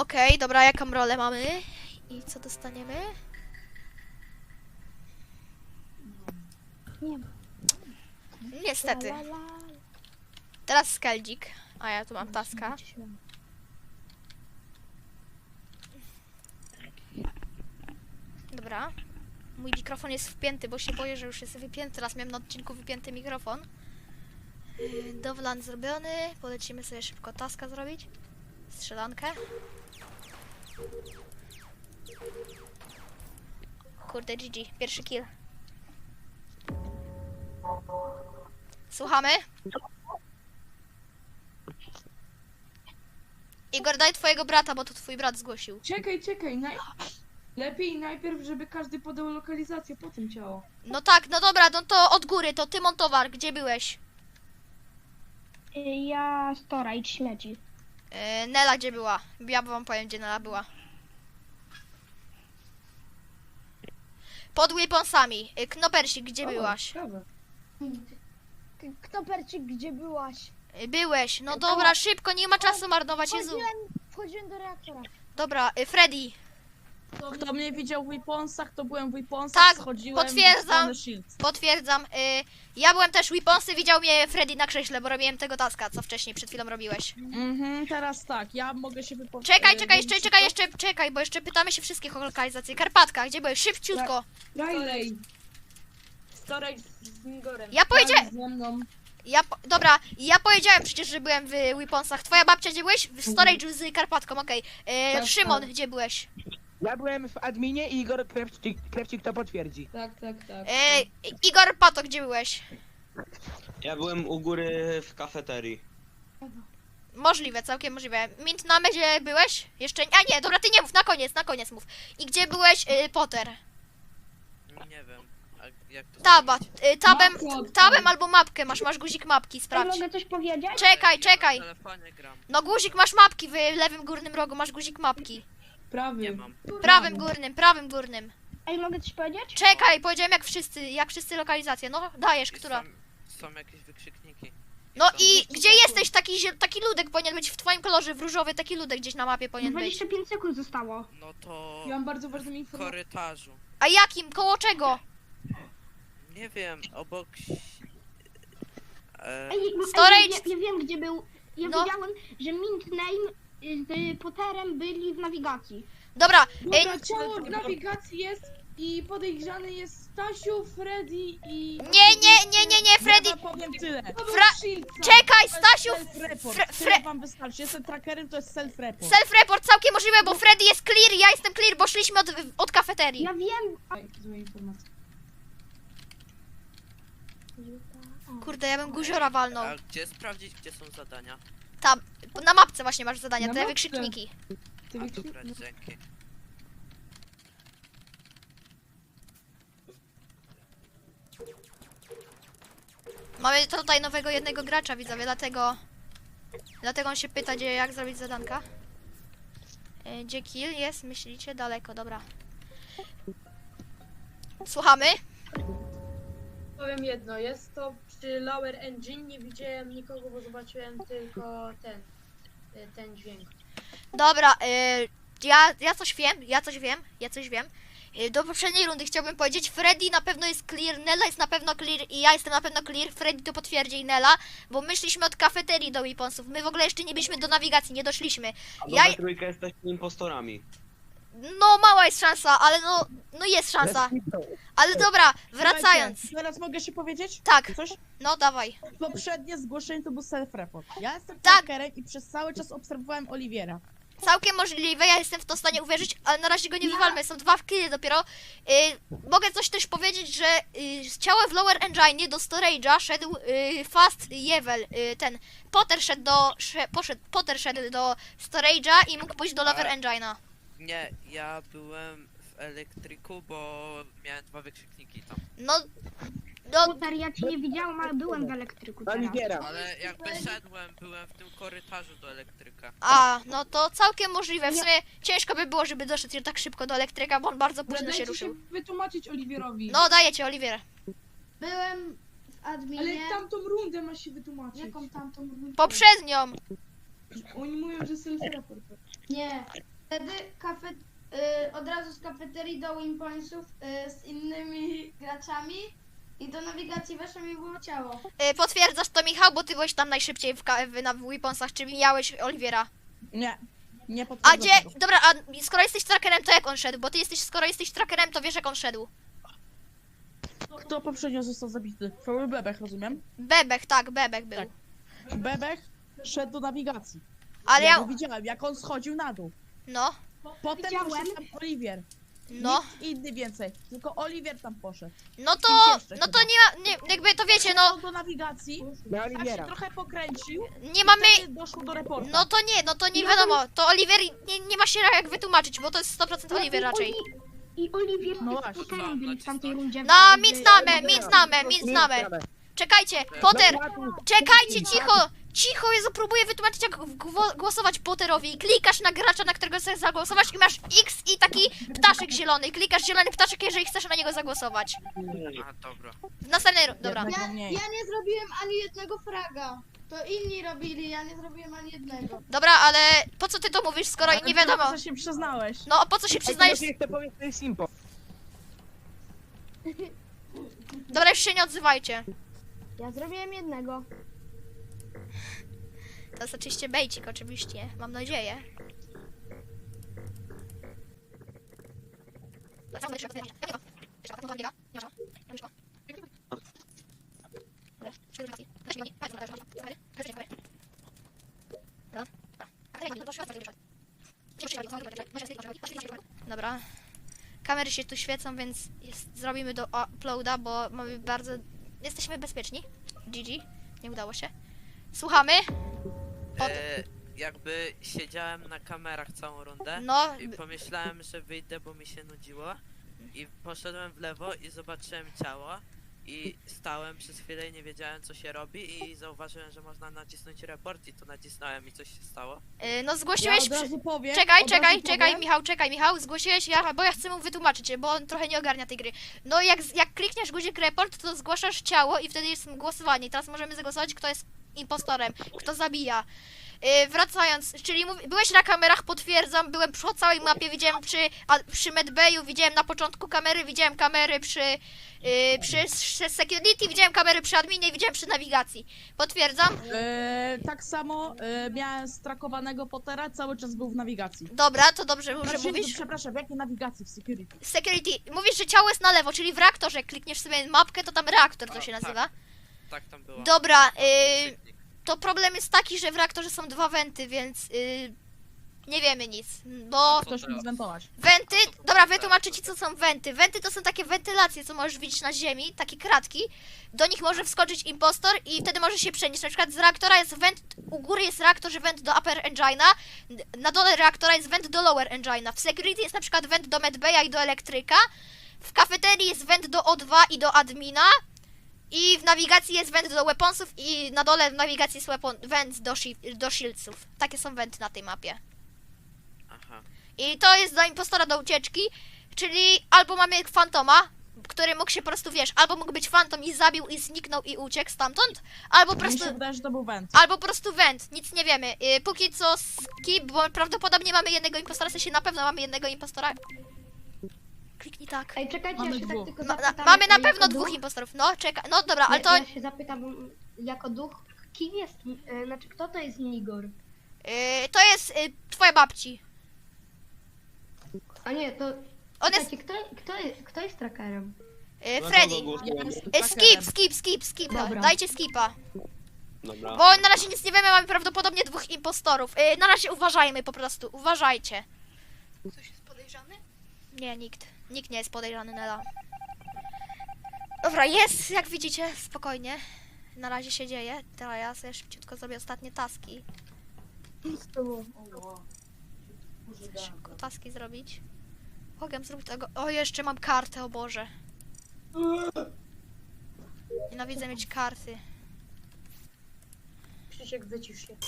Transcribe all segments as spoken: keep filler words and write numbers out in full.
Okej, okay, dobra, jaką rolę mamy? I co dostaniemy? Nie. Niestety. La, la, la. Teraz Skeldzik. A ja tu mam taska. Dobra. Mój mikrofon jest wpięty, bo się boję, że już jest wypięty. Teraz miałem na odcinku wypięty mikrofon. Yy, Dowlan zrobiony. Polecimy sobie szybko taska zrobić. Strzelankę. Kurde, G G. Pierwszy kill. Słuchamy? Igor, daj twojego brata, bo to twój brat zgłosił. Czekaj, czekaj. Naj... Lepiej najpierw, żeby każdy podał lokalizację, potem ciało. No tak, no dobra, no to od góry, to Tymon Towar, gdzie byłeś? Y, Ja storage śmieci. Yy, Nela gdzie była? Ja wam powiem, gdzie Nela była. Pod weaponsami. Yy, Knopersik, gdzie O, byłaś? dobra. Kto perczyk, gdzie byłaś? Yy, byłeś, no dobra, szybko, nie ma czasu marnować, Jezu. Wchodziłem, wchodziłem do reaktora. Dobra, yy, Freddy. Kto mnie widział w weaponsach, to byłem w weaponsach, Tak, schodziłem potwierdzam. w stronę Shields. Potwierdzam. Yy, ja byłem też weaponsy, widział mnie Freddy na krześle, bo robiłem tego taska, co wcześniej przed chwilą robiłeś. Mhm, teraz tak, ja mogę się wypowiedzieć. Czekaj, czekaj, jeszcze, czekaj, jeszcze, czekaj, bo jeszcze pytamy się wszystkich o lokalizację. Karpatka, gdzie byłeś? Szybciutko. Riley. Storage z Nigorem. Ja powiedziałem, Ze mną. ja, po- dobra, ja powiedziałem przecież, że byłem w weaponsach. Twoja babcia gdzie byłeś? W storage'u z Karpatką, okej. Yy, Tak, Szymon, tak. gdzie byłeś? Ja byłem w adminie i Igor Krewcik, Krewcik to potwierdzi. Tak, tak, tak. Yy, Igor Pato, gdzie byłeś? Ja byłem u góry w kafeterii. Możliwe, całkiem możliwe. Mint na gdzie byłeś? Jeszcze, a nie, dobra, ty nie mów, na koniec, na koniec mów. I gdzie byłeś, yy, Potter? Nie wiem. A jak to Taba, zrobić? yy, tabem, Mapkę odpal. tabem albo mapkę masz, masz guzik mapki, Ja sprawdź. mogę coś powiedzieć? Czekaj, Ja czekaj. Na telefonie gram. No guzik masz mapki, w lewym górnym rogu masz guzik mapki. Prawy. Nie mam. Prawym górnym, prawym górnym. Ej, mogę coś powiedzieć? Czekaj, powiedziałem jak wszyscy, jak wszyscy lokalizacje. No, dajesz, I która? Są, są jakieś wykrzykniki. No Są- i gdzie jesteś? Taki, zie- taki ludek powinien być w twoim kolorze, w różowy, taki ludek gdzieś na mapie powinien być. dwadzieścia pięć sekund zostało. No to Ja mam bardzo ważną w informację. korytarzu. A jakim? Koło czego? Nie wiem, obok... E, Ej, ej, Storage- ja, ja wiem gdzie był. Ja No. wiedziałem, że Mint Name z Potterem byli w nawigacji. Dobra, ej, Dobra, ciało w nawigacji jest i podejrzany jest Stasiu, Freddy i... nie, nie, nie, nie, nie, Freddy. Ja wam powiem tyle. Fra- Shields'a. Czekaj, To jest Stasiu, self-report. Fre- Tyle Fre- wam wystarczy. Jestem trackerem, to jest self-report. self-report całkiem możliwe, bo Freddy jest clear, ja jestem clear, bo szliśmy od, od kafeterii. Ja wiem. Ej, złe informacje. Kurde, ja bym guziora walnął. a gdzie sprawdzić, gdzie są zadania? Tam, na mapce właśnie masz zadania, Na te mapce. wykrzykniki. Ty A wiecie- dobra, dzięki. Mamy tutaj nowego jednego gracza, widzowie, dlatego... Dlatego on się pyta, gdzie, jak zrobić zadanka. E, Gdzie kill jest? Myślicie? Daleko, dobra. Słuchamy? Powiem jedno, jest to przy Lower Engine, nie widziałem nikogo, bo zobaczyłem tylko ten, y, ten dźwięk. Dobra, y, ja, ja coś wiem, ja coś wiem, ja coś wiem. Y, do poprzedniej rundy chciałbym powiedzieć, Freddy na pewno jest clear, Nella jest na pewno clear i ja jestem na pewno clear, Freddy to potwierdzi i Nella, bo my szliśmy od kafeterii do weaponsów, my w ogóle jeszcze nie byliśmy do nawigacji, nie doszliśmy. A Ja, ja... trójkę jesteśmy impostorami. no mała jest szansa, ale no, no jest szansa. Ale dobra, wracając. Słuchajcie, teraz mogę się powiedzieć? Tak, Coś? no dawaj. Poprzednie zgłoszenie to był self-report. Ja jestem Tak. trackerem i przez cały czas obserwowałem Oliwiera. Całkiem możliwe, ja jestem w to w stanie uwierzyć, ale na razie go nie wywalmy, są dwa killy dopiero. Y, mogę coś też powiedzieć, że y, z ciała w Lower Engine do Storage'a szedł y, Fast Jewel, y, ten Potter szedł do, sze, poszedł, Potter szedł do Storage'a i mógł pójść do Lower Tak. Engine'a. Nie, ja byłem w elektryku, bo miałem dwa wykrzykniki tam. No, no, Potter, ja cię nie widziałem, ale byłem w elektryku teraz. Oliwiera. Ale jak wyszedłem, byłem w tym korytarzu do elektryka. a, no to całkiem możliwe, w sumie ciężko by było, żeby doszedł tak szybko do elektryka, bo on bardzo późno się Dajcie ruszył. wytłumaczyć Oliwierowi. No, daję ci, Oliwier. Byłem w adminie. Ale tamtą rundę ma się wytłumaczyć. Jaką tamtą rundę? Poprzednią. Oni mówią, że self-report. Nie. Wtedy kafe, y, od razu z kafeterii do Wimpointsów y, z innymi graczami i do nawigacji weszło mi było ciało. Y, potwierdzasz to, Michał, bo ty byłeś tam najszybciej w, ka- w, na Weaponsach, czy mijałeś Oliwiera. Nie, nie A potwierdzam gdzie, tego. dobra, a skoro jesteś trackerem, to jak on szedł? Bo ty jesteś, skoro jesteś trackerem, to wiesz jak on szedł. Kto poprzednio został zabity? To był Bebech, rozumiem? Bebech, tak, Bebech był. Tak. Bebech szedł do nawigacji. Ale ja ja, go widziałem, jak on schodził na dół. no, Potem Widziałem. poszedł tam Oliwier. no, Nikt inny więcej, tylko Oliwier tam poszedł. no to, Kim jeszcze no to chyba? nie ma, nie, jakby to wiecie, no, Szedł do nawigacji, Na tak się Oliwiera. trochę pokręcił, nie mamy, wtedy doszło do reporta. no to nie, no to nie wiadomo, to Oliwier nie, nie ma się jak wytłumaczyć, bo to jest sto procent Oliwier raczej. I Oliwier No no właśnie. z Potterem byli w tamtej rundzie. No, mit znamy, mit znamy, mit znamy. Czekajcie, Potter, czekajcie, cicho, cicho, Jezu, próbuję wytłumaczyć jak gwo- głosować Potterowi. Klikasz na gracza, na którego chcesz zagłosować i masz X i taki ptaszek zielony. Klikasz zielony ptaszek, jeżeli chcesz na niego zagłosować. A, dobra. W następnej, ru- dobra. Jednego Ja, mniej. ja nie zrobiłem ani jednego fraga. To inni robili, ja nie zrobiłem ani jednego. Dobra, ale po co ty to mówisz, skoro Ale nie wiadomo? Co się przyznałeś? No, po co się przyznajesz? Ej, to powiedz, to jest impo. Dobra, już się nie odzywajcie. Ja zrobiłem jednego. To jest oczywiście bejcik, oczywiście, mam nadzieję. Dobra. Kamery się tu świecą, więc jest, zrobimy do uploada, bo mamy bardzo... Jesteśmy bezpieczni. G G. Nie udało się. Słuchamy? Pod... E, jakby siedziałem na kamerach całą rundę No, i pomyślałem, że wyjdę, bo mi się nudziło. I poszedłem w lewo i zobaczyłem ciało. I stałem przez chwilę i nie wiedziałem co się robi i zauważyłem, że można nacisnąć report i to nacisnąłem i coś się stało. yy, no Ja zgłosiłeś... od przy- razu powiem. Czekaj, od czekaj, razu czekaj, powiem. Michał, czekaj, Michał, zgłosiłeś, ja, bo ja chcę mu wytłumaczyć, bo on trochę nie ogarnia tej gry. No jak, z- jak klikniesz guzik report, to zgłaszasz ciało i wtedy jest głosowanie. I teraz możemy zagłosować, kto jest impostorem, kto zabija. Yy, wracając, czyli mów, byłeś na kamerach, potwierdzam, byłem przy całej mapie, widziałem przy, a, przy medbayu, widziałem na początku kamery, widziałem kamery przy, yy, przy, przy security, widziałem kamery przy adminie i widziałem przy nawigacji. Potwierdzam. E, tak samo e, miałem strakowanego Pottera, cały czas był w nawigacji. Dobra, to dobrze, że Znaczy, mówisz. Przepraszam, w jakiej nawigacji? W security. Security, mówisz, że ciało jest na lewo, czyli w reaktorze, jak klikniesz sobie mapkę, to tam reaktor to O, się tak. nazywa. Tak tam było. Dobra, yy, Krzyknik. to problem jest taki, że w reaktorze są dwa wenty, więc yy, nie wiemy nic, bo Co Ktoś teraz? mi zwentować. wenty, dobra, wytłumaczę ci co są wenty. Wenty to są takie wentylacje, co możesz widzieć na ziemi, takie kratki, do nich może wskoczyć impostor i wtedy może się przenieść. Na przykład z reaktora jest went, u góry jest reaktor, że went do upper engine'a, na dole reaktora jest went do lower engine'a. W security jest na przykład went do medbaya i do elektryka, w kafeterii jest went do O dwa i do admina, i w nawigacji jest went do weaponsów i na dole w nawigacji jest weapon, went do, shi- do shieldsów. Takie są wenty na tej mapie. Aha. I to jest dla impostora do ucieczki, czyli albo mamy fantoma, który mógł się po prostu, wiesz, albo mógł być fantom i zabił i zniknął i uciekł stamtąd, albo po Mi prostu, się wydaje, że to był węd. albo po prostu went, nic nie wiemy. Yy, póki co skip, bo prawdopodobnie mamy jednego impostora, w sensie na pewno mamy jednego impostora. Kliknij tak. Ej, czekajcie, Mamy ja się dwóch. tak tylko No, na, zapytam. mamy na jako pewno duch? dwóch impostorów, no czekaj, no dobra, ale to Ja, yy, ja się zapytam, jako duch, kim jest, e, znaczy kto to jest Nigor? to jest yy, twoja babci. A nie, to... On jest Czekajcie, kto, kto, jest, kto jest trackerem? yy, Na Freddy. kogo głosujemy? Yy, skip, skip, skip, skip, Dobra. dajcie skipa. Dobra. Bo na razie nic nie wiemy, mamy prawdopodobnie dwóch impostorów. Yy, na razie uważajmy po prostu, uważajcie. Ktoś jest podejrzany? Nie, nikt. Nikt nie jest podejrzany, Nela. Dobra, jest, jak widzicie, spokojnie. Na razie się dzieje. Teraz ja sobie szybciutko zrobię ostatnie taski. Chcę szybko taski zrobić. Mogę zrobić tego. O, jeszcze mam kartę, o Boże. Nienawidzę mieć karty. Krzysiek, wycisz się.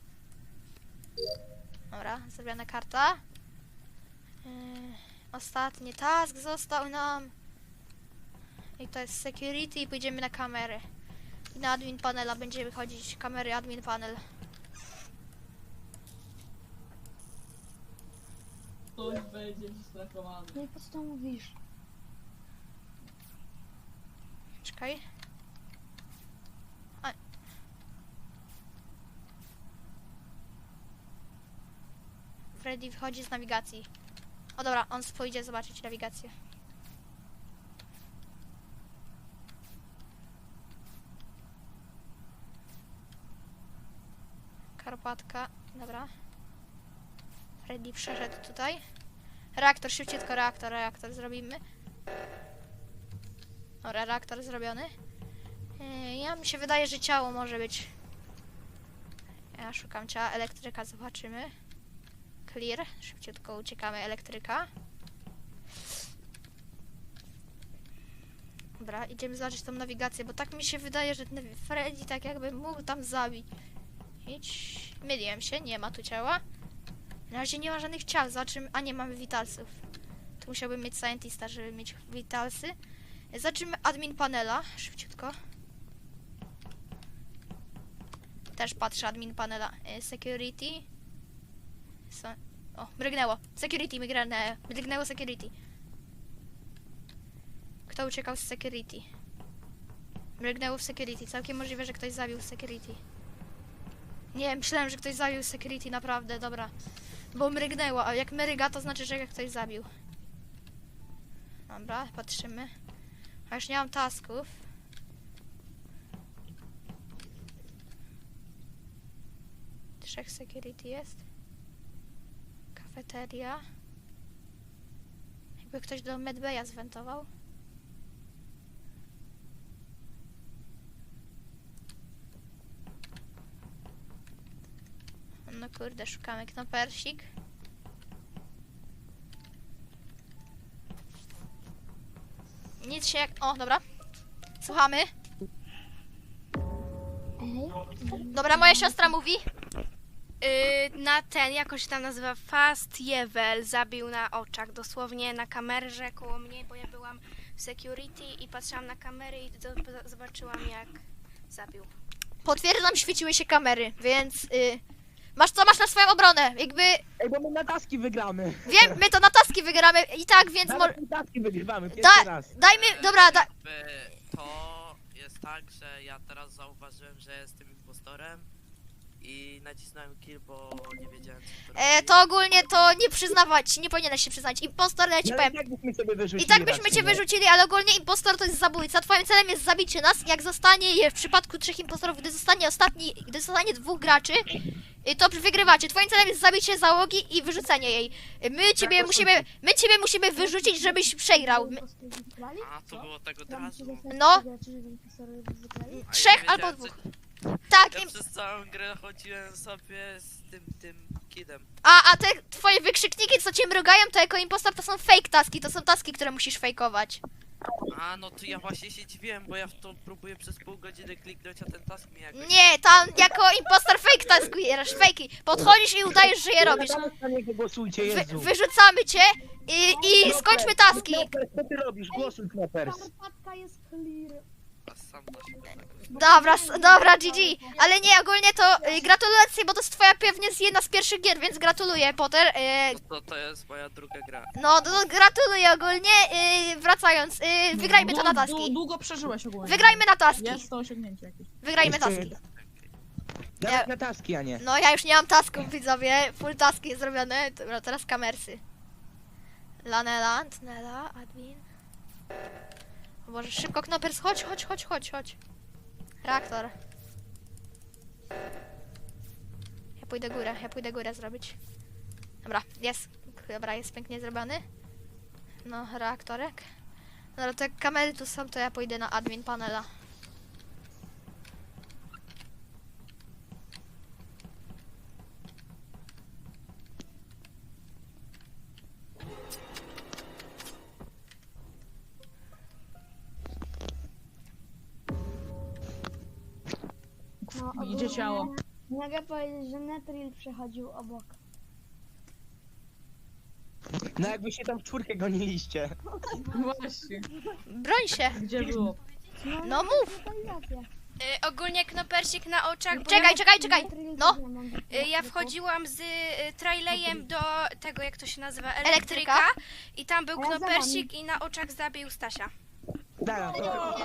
Dobra, zrobiona karta. Yy, ostatni task został nam. I to jest security i pójdziemy na kamery. I na admin panela będzie wychodzić kamery admin panel. Ktoś będzie strakowany. No i po co to mówisz? Czekaj. A. Freddy wychodzi z nawigacji. O dobra, on pójdzie zobaczyć nawigację. Karpatka, dobra. Freddy przeszedł tutaj. Reaktor, szybciutko reaktor, reaktor zrobimy. Dobra, reaktor zrobiony. Yy, ja mi się wydaje, że ciało może być. Ja szukam ciała, elektryka, zobaczymy. Clear, szybciutko uciekamy, elektryka. Dobra, idziemy zobaczyć tą nawigację, bo tak mi się wydaje, że ten Freddy tak jakby mógł tam zabić. Idź. Myliłem się, nie ma tu ciała. Na razie nie ma żadnych ciał, zobaczymy. A nie, mamy witalsów. Tu musiałbym mieć scientista, żeby mieć witalsy. Zobaczymy admin panela, szybciutko. Też patrzę admin panela. E, Security. So, o, mrygnęło. Security, mrygnęło. Mrygnęło security. Kto uciekał z security? Mrygnęło w security. Całkiem możliwe, że ktoś zabił security. Nie, myślałem, że ktoś zabił security, naprawdę, dobra. Bo mrygnęło, a jak mryga, to znaczy, że ktoś zabił. Dobra, patrzymy. A już nie mam tasków. Trzech security jest. Kafeteria. Jakby ktoś do medbaya zwentował. No kurde, szukamy knopersik. Nic się jak... O, dobra. Słuchamy. Dobra, moja siostra mówi. Yy, na ten, jakoś się tam nazywa, Fast Jewel zabił na oczach, dosłownie na kamerze koło mnie, bo ja byłam w security i patrzyłam na kamery i do, zobaczyłam jak zabił. Potwierdzam, świeciły się kamery, więc... Y, masz co masz na swoją obronę? Jakby... Ej, bo my na taski wygramy. Wiem, my to na taski wygramy i tak, więc... Mo- Nawet na taski wygrywamy, pierwszy da, raz. dajmy... Dobra, da, Jakby to jest tak, że ja teraz zauważyłem, że jestem impostorem i nacisnąłem kill, bo nie wiedziałem co to e, robi. to ogólnie to nie przyznawać, nie powinieneś się przyznać. Impostor, ja ci No, powiem. i tak byśmy sobie wyrzucili I tak byśmy raczej, cię no. wyrzucili, ale ogólnie impostor to jest zabójca. Twoim celem jest zabicie nas. Jak zostanie je w przypadku trzech impostorów, gdy zostanie ostatni, gdy zostanie dwóch graczy, y, to wygrywacie. Twoim celem jest zabicie załogi i wyrzucenie jej. Y, My ciebie to musimy, my ciebie musimy wyrzucić, żebyś przegrał. My, A, to było tak od razu. no, A ja trzech wiedziałem, albo co- dwóch. Tak, Ja im, przez całą grę chodziłem sobie z tym, tym kidem. a, a te twoje wykrzykniki, co cię mrugają, to jako impostor to są fake taski. To są taski, które musisz fejkować. A, no to ja właśnie się dziwiłem, bo ja w to próbuję przez pół godziny kliknąć, a ten task mi jakoś... Nie, tam jako impostor fake taskujesz, fejki. Podchodzisz i udajesz, że je robisz. Tam na niego głosujcie, Wy, Jezu. wyrzucamy cię i, i skończmy taski. Knopers, co ty robisz? Głosuj, Knopers. Karpatka jest clear. A sam to się tak- Dobra, s- dobra, G G. Ale nie, ogólnie to y, gratulacje, bo to jest twoja pewnie z jedna z pierwszych gier, więc gratuluję, Potter. Y, To, to jest moja druga gra. no, no, gratuluję ogólnie. Y, wracając, y, wygrajmy to na Dłu- dłu- taski. Długo przeżyłeś ogólnie. Wygrajmy na taski. Jest to osiągnięcie jakieś. Wygrajmy Jeszcze taski. Nawet na taski, a nie. No, ja już nie mam tasków, widzowie. Full taski jest zrobione. Dobra, teraz kamersy. Lanela, Nela, admin. O Boże, szybko, Knopers, chodź, chodź, chodź, chodź, chodź. Reaktor. Ja pójdę górę, ja pójdę górę zrobić. Dobra, jest. Dobra, jest pięknie zrobiony. No, reaktorek. Dobra, te kamery tu są, to ja pójdę na admin panela. No, Idzie ciało. Mogę powiedzieć, że Netril przechodził obok. No jakby się tam w czwórkę goniliście. Właśnie. Broń się. Gdzie było? No mów. Lokalizacja. Y, ogólnie knopersik na oczach, bo Czekaj, ja, czekaj, czekaj. No, y, ja wchodziłam z y, trailejem do tego, jak to się nazywa, Elektryka. elektryka. I tam był A ja za knopersik i na oczach zabił Stasia. Dara, to...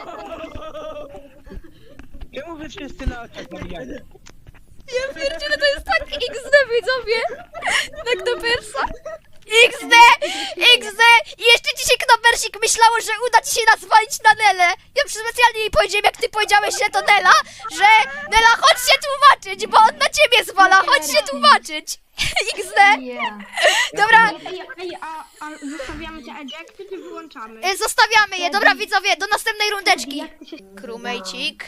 Czemu wy wszyscy na oczach zabijacie? ja pierdzielę, to jest tak X D, widzowie. Na Knopersa. X D! X D! I jeszcze dzisiaj Knopersik myślało, że uda ci się nas zwalić na Nelę. Ja specjalnie jej powiedziałem, jak ty powiedziałeś, że to Nela, że Nela, chodź się tłumaczyć, bo on na ciebie zwala, chodź się tłumaczyć. X D! Dobra, Ej, ej, a, a zostawiamy te ejecty, czy wyłączamy? y, zostawiamy je. Dobra, widzowie, do następnej rundeczki. Krumejcik.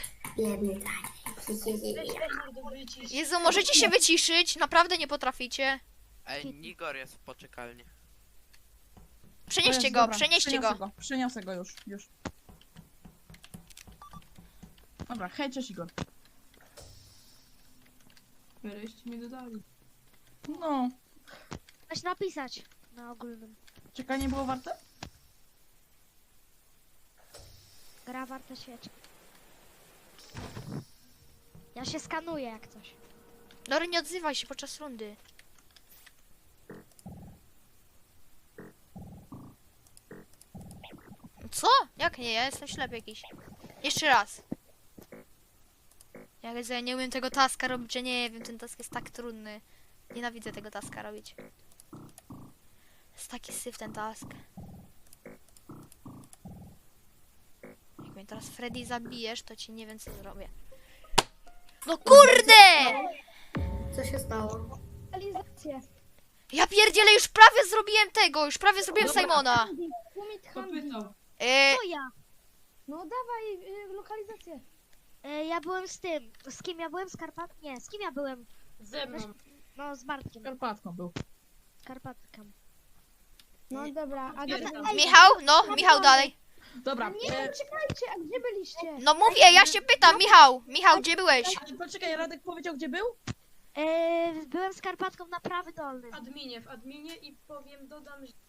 Jezu, możecie się wyciszyć? Naprawdę nie potraficie. Ej, Nigor jest w poczekalni. To Przenieście jest, go, dobra, przenieście przeniosę go. Przeniosę go już, już. Dobra, hej, cześć Igor. Wreszcie mnie dodali. No, Coś napisać na ogólnym. czekanie było warte? Gra warte świeczki. Ja się skanuję jak coś. Lory, nie odzywaj się podczas rundy. Co? Jak nie? Ja jestem ślepy jakiś. Jeszcze raz. Ja wiedzę, ja nie umiem tego taska robić, że nie wiem, ten task jest tak trudny. Nienawidzę tego taska robić. Jest taki syf ten task. Jak mnie teraz Freddy zabijesz, to ci nie wiem co zrobię. No kurde! Co się stało? Realizację. Ja pierdzielę, już prawie zrobiłem tego, już prawie zrobiłem Dobra. Simona. Umit Kto Handy. pytał? E, To ja. No dawaj y, lokalizację. E, ja byłem z tym. Z kim ja byłem? Z Karpat? Nie, z kim ja byłem? Ze mną. No z Bartkiem. Karpatką był. Karpatkiem. No dobra, a Dobra. gdzie... Michał? No, Michał dalej. Dobra, e, Czekajcie, a gdzie byliście? No mówię, ja się pytam, Michał. Michał, gdzie byłeś? ale poczekaj, Radek powiedział gdzie był? E, byłem z Karpatką na prawy dolny. W adminie, w adminie i powiem, dodam, że,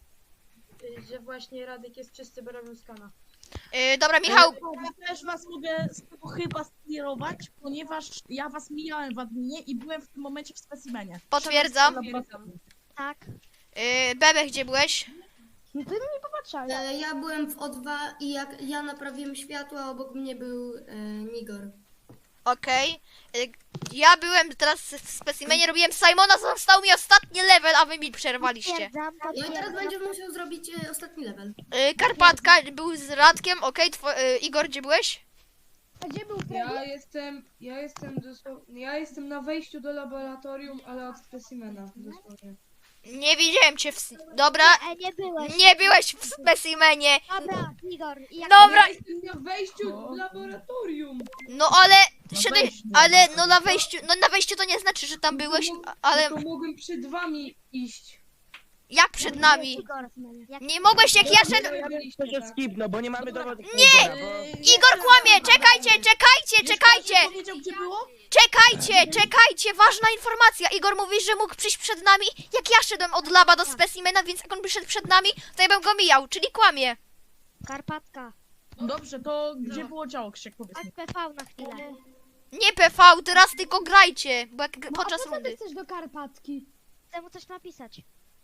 że właśnie Radek jest czysty, bo robił skana. E, dobra, Michał. Ja też was mogę z tego chyba skierować, ponieważ ja was mijałem w adminie i byłem w tym momencie w specimenie. Potwierdzam. Tak. E, Bebe, gdzie byłeś? No ty na mnie popatrzałeś. E, ja byłem w O dwa i jak ja naprawiłem światło, a obok mnie był e, Nigor. Okej. E, Ja byłem teraz w specimenie, robiłem Simona, został mi ostatni level, a wy mi przerwaliście. Potwierdzam, No i teraz potwierdzam. będziesz musiał zrobić e, ostatni level. E, Karpatka był z Radkiem, okej. Two- e, Igor, gdzie byłeś? A gdzie był Freddy? Ja jestem, ja jestem dosłownie, ja jestem na wejściu do laboratorium, ale od specimena, dosłownie. Nie widziałem cię w... s- Dobra. E, nie byłeś. Nie byłeś w specimenie. Dobra, Igor. I jak Dobra. Ja jestem na wejściu do laboratorium. No ale... Na Szedłeś, wejściu. ale no na wejściu, no na wejściu to nie znaczy, że tam byłeś, a- ale To mogłem przed wami iść. jak przed nami? Igor. Jak... Nie mogłeś, jak ja szedłem... Ja byliście, To się tak. skipno, bo nie mamy dowodów. Nie! Igora, bo... Igor kłamie, czekajcie, czekajcie, Wiesz, czekajcie! Radek powiedział gdzie było? Czekajcie, czekajcie, ważna informacja. Igor mówi, że mógł przyjść przed nami, jak ja szedłem od laba do specimena, więc jak on by szedł przed nami, to ja bym go mijał, czyli kłamie. Karpatka. Dobrze, to gdzie było ciało, Krzyk, powiedz mi. Tak P V na chwilę. Nie P V, teraz tylko grajcie, bo jak podczas a po co ty rundy. chcesz do Karpatki? Chcę mu coś napisać.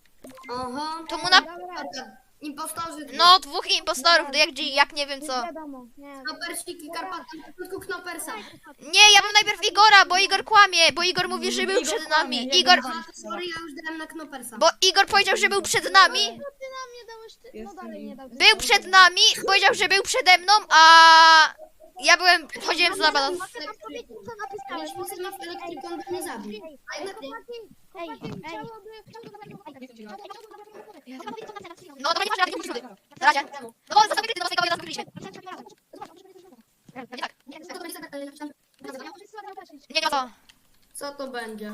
Oho. To mu na... Dobra, Impostorzy. No, dwóch impostorów, jak, jak nie wiem co. wiadomo. Nie. Knopersik i Karpatka. Na początku Knopersa. Nie, ja bym najpierw Igora, bo Igor kłamie, bo Igor mówi, że był Igor przed kłamie, nami. ja Igor, go A, sorry, ja już dałem na Knopersa. bo Igor powiedział, że był przed nami. No ty nam nie dałeś, ty... no Jestem dalej nie i- dał. Był przed nami, powiedział, że był przede mną, a ja byłem, chodziłem z laba do... Mogę wam powiedzieć, co napisałeś? Jeśli sobie w elektryku, on by mnie zabił. A jednak nie. Ej, ej. No dobra, nie masz racji, musisz rudy. Na razie. No bo zostawię kryty do naszej kamery, zaraz wykryliśmy. Nie, nie, co? Co to będzie?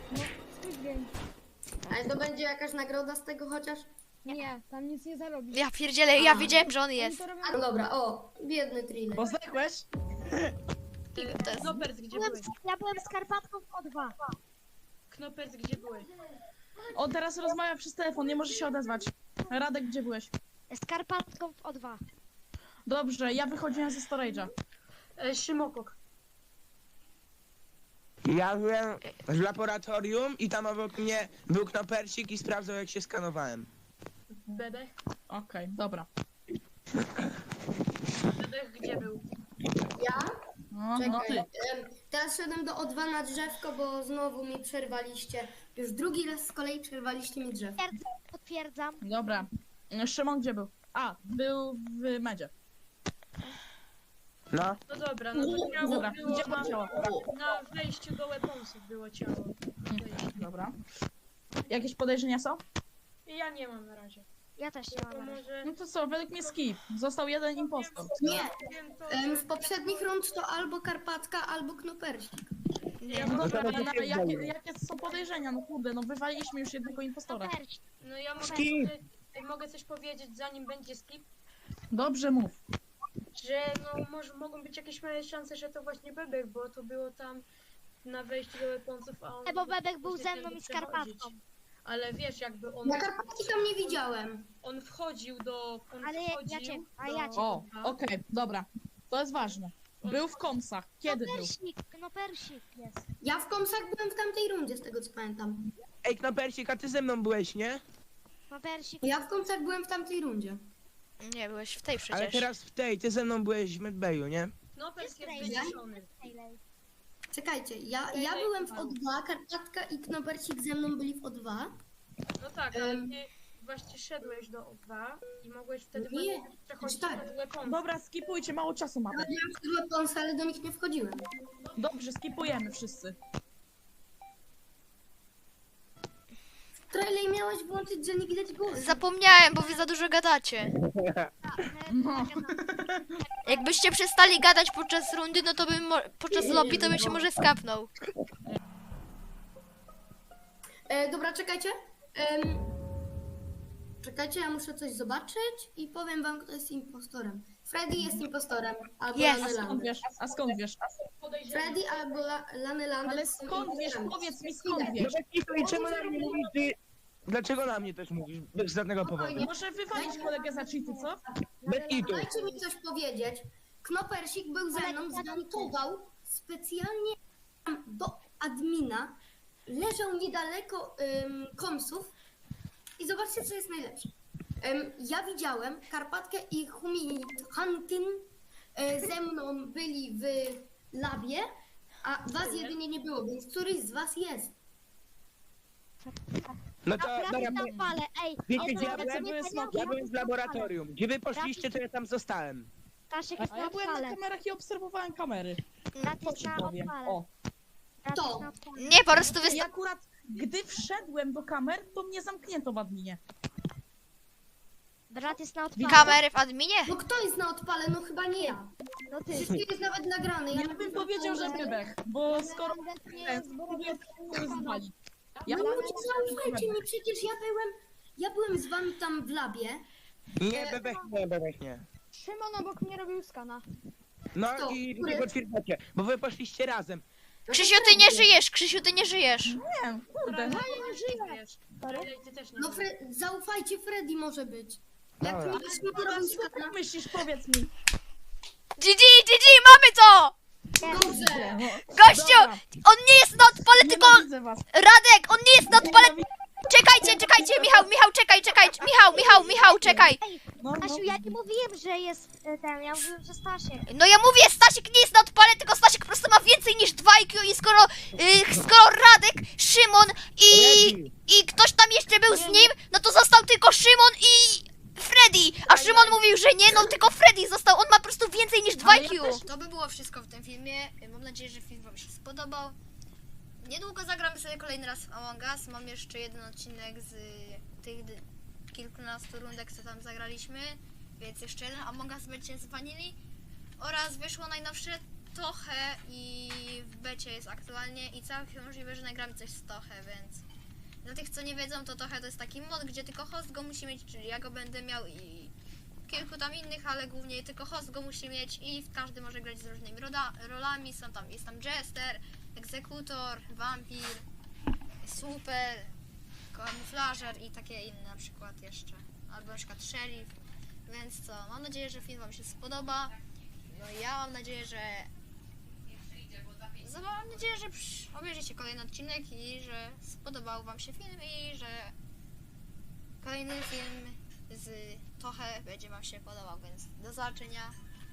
Ale to będzie jakaś nagroda z tego chociaż? Nie, tam nic nie zarobisz. Ja pierdzielę, ja wiedziałem, że on jest. No dobra, o, biedny thriller. Bo zdechłeś? To jest... Knopers, gdzie Byłem byłeś? z, ja byłem z Karpatką w O dwa. Knopers, gdzie byłeś? On teraz rozmawia przez telefon, nie może się odezwać. Radek, gdzie byłeś? Z Karpatką w O dwa. Dobrze, ja wychodziłem ze storage'a. E, Szymokok. Ja byłem w laboratorium i tam obok mnie był knopersik i sprawdzał jak się skanowałem. Bebech? Okej, dobra. Bebech gdzie był? Ja? No, no ty. Czekaj. em, Teraz szedłem do O dwa na drzewko, bo znowu mi przerwaliście. Już drugi raz z kolei przerwaliście mi drzewo. Potwierdzam. Dobra. Szymon gdzie był? A, był w medzie. No. No dobra, no to ciało Dobra, było gdzie było na, ciało? na wejściu do weaponsów było ciało. Dobra. Jakieś podejrzenia są? Ja nie mam na razie. Ja też nie To mam. może... No to co, według mnie skip. Został jeden impostor. Nie, Wiem to, em, w poprzednich rund to albo Karpatka, albo Knopersik. nie, No no, dobra, to ale będzie jakie, znowu. jakie są podejrzenia? No kurde, no wywaliliśmy już jednego impostora. no ja mogę, Skip. mogę coś powiedzieć zanim będzie skip, Dobrze mów. że no może mogą być jakieś małe szanse, że to właśnie Bebek, bo to było tam na wejściu do weaponsów, a on... E, bo Bebek był właśnie ze mną tędy i z przechodzić. Karpatką. Ale wiesz, jakby on... Na Karpatki tam nie widziałem. On wchodził do... On Ale ja- ja wchodził cię- a do... ja cię- O, okej, dobra. To jest ważne. Był w komsach. Kiedy był? Knopersik, knopersik jest. Ja w komsach byłem w tamtej rundzie, z tego co pamiętam. Ej, knopersik, a ty ze mną byłeś, nie? Knopersik. Ja w komsach byłem w tamtej rundzie. Nie, byłeś w tej przecież. Ale teraz w tej, ty ze mną byłeś w medbayu, nie? No, Pers jest Jest wyciszony. Czekajcie, ja, ja byłem w O dwa, Karpatka i Knopersik ze mną byli w O dwa. No tak, ale Em. ty właśnie szedłeś do O dwa i mogłeś wtedy Nie, właśnie przechodzić tak. do weaponsów. Dobra, skipujcie, mało czasu mamy. Ja miałem skrzydła Ponsa, ale do nich nie wchodziłem. Dobrze, skipujemy wszyscy. Trailer miałeś włączyć, że nie widać głosu. Zapomniałem, bo wy za dużo gadacie. No. Jakbyście przestali gadać podczas rundy, no to bym mo- podczas lobby to bym się może skapnął. E, dobra, czekajcie. Em, czekajcie, ja muszę coś zobaczyć i powiem wam, kto jest impostorem. Freddy jest impostorem, albo Jest. Lany A skąd Lander. wiesz? A skąd wiesz? Freddy albo La, Lany Lander Ale są skąd wiesz? impostorami. Powiedz mi skąd Idę. wiesz? No bez i czemu na mnie mówisz, ty... Dlaczego na mnie też mówisz? Bez żadnego powodu. Spokojnie. Może wywalić kolegę za cheaty, co? Bez kitu. Dajcie mi coś powiedzieć. Knopersik był ze mną, zgantował specjalnie do admina, leżał niedaleko ym, komsów i zobaczcie, co jest najlepsze. Ym, ja widziałem Karpatkę i Humi Huntin y, ze mną byli w labie, a was jedynie nie było, więc któryś z was jest. No to, Naprawdę dobra, na fale, ej. wiecie ej, gdzie ja to byłem? nie Ja Ja byłem w laboratorium. Gdzie wy poszliście, to ja tam zostałem. Staszek jest A na ja byłem na odpale. kamerach i obserwowałem kamery. Brat To jest ci na powiem. odpale. O. Brat To. jest na odpale. Nie, po prostu I wysta- akurat gdy wszedłem do kamer, to mnie zamknięto w adminie. Brat jest na odpale. kamery w adminie. No kto jest na odpale? No chyba nie ja. No ty. Przecież to jest nawet nagrane. Ja bym powiedział, że Bebech, bo skoro Nie jest, bo to zwali. Ja No bym ludzie, zaufajcie mi, przecież ja byłem, ja byłem z wami tam w labie. Nie, bebech nie, bebech nie. Szymon obok mnie robił skana. No Kto? i Który? nie potwierdzacie, bo wy poszliście razem. Krzysiu, ty nie żyjesz, Krzysiu, ty nie żyjesz. Nie, kurde. No nie żyję. Ty też nie No żyjesz. Fre- zaufajcie, Freddy może być. Jak Dobra. mi Szymon robił skana, Jak myślisz, powiedz mi. G G, G G, mamy to! dobrze. Gościu, Dobra, on nie jest na odpale, tylko nienawidzę was. Radek, on nie jest na odpale. Czekajcie, czekajcie, Michał, Michał, czekaj, czekaj, Michał, Michał, Michał, czekaj. No, no. Stasiu, ja nie mówiłem, że jest e, ten, ja mówiłem, że Stasiek. No ja mówię, Stasiek nie jest na odpale, tylko Stasiek po prostu ma więcej niż dwa I Q i skoro, y, skoro Radek, Szymon i, Freddy. i ktoś tam jeszcze był z nim, no to został tylko Szymon i Freddy. A Szymon mówił, że nie, no tylko Freddy został, on ma po prostu więcej niż dwa Ale I Q. ja też- To by było wszystko w tym filmie. Mam nadzieję, że film wam się spodobał. Niedługo zagramy sobie kolejny raz w Among Us. Mam jeszcze jeden odcinek z tych d- kilkunastu rundek, co tam zagraliśmy. Więc jeszcze jeden Among Us będziecie z Vanilli. Oraz wyszło najnowsze Toche i w becie jest aktualnie i całkiem możliwe, że nagramy coś z Toche, więc dla tych, co nie wiedzą, to Toche to jest taki mod, gdzie tylko host go musi mieć, czyli ja go będę miał i kilku tam innych, ale głównie tylko host go musi mieć i każdy może grać z różnymi roda- rolami. Są tam, jest tam Jester, Egzekutor, Wampir, Super, Kamuflażer i takie inne na przykład jeszcze. Albo na przykład Sheriff. Więc co, mam nadzieję, że film wam się spodoba. No i ja mam nadzieję, że za- mam nadzieję, że przy- obejrzycie kolejny odcinek i że spodobał wam się film i że kolejny film z Toche będzie wam się podobał, więc do zobaczenia.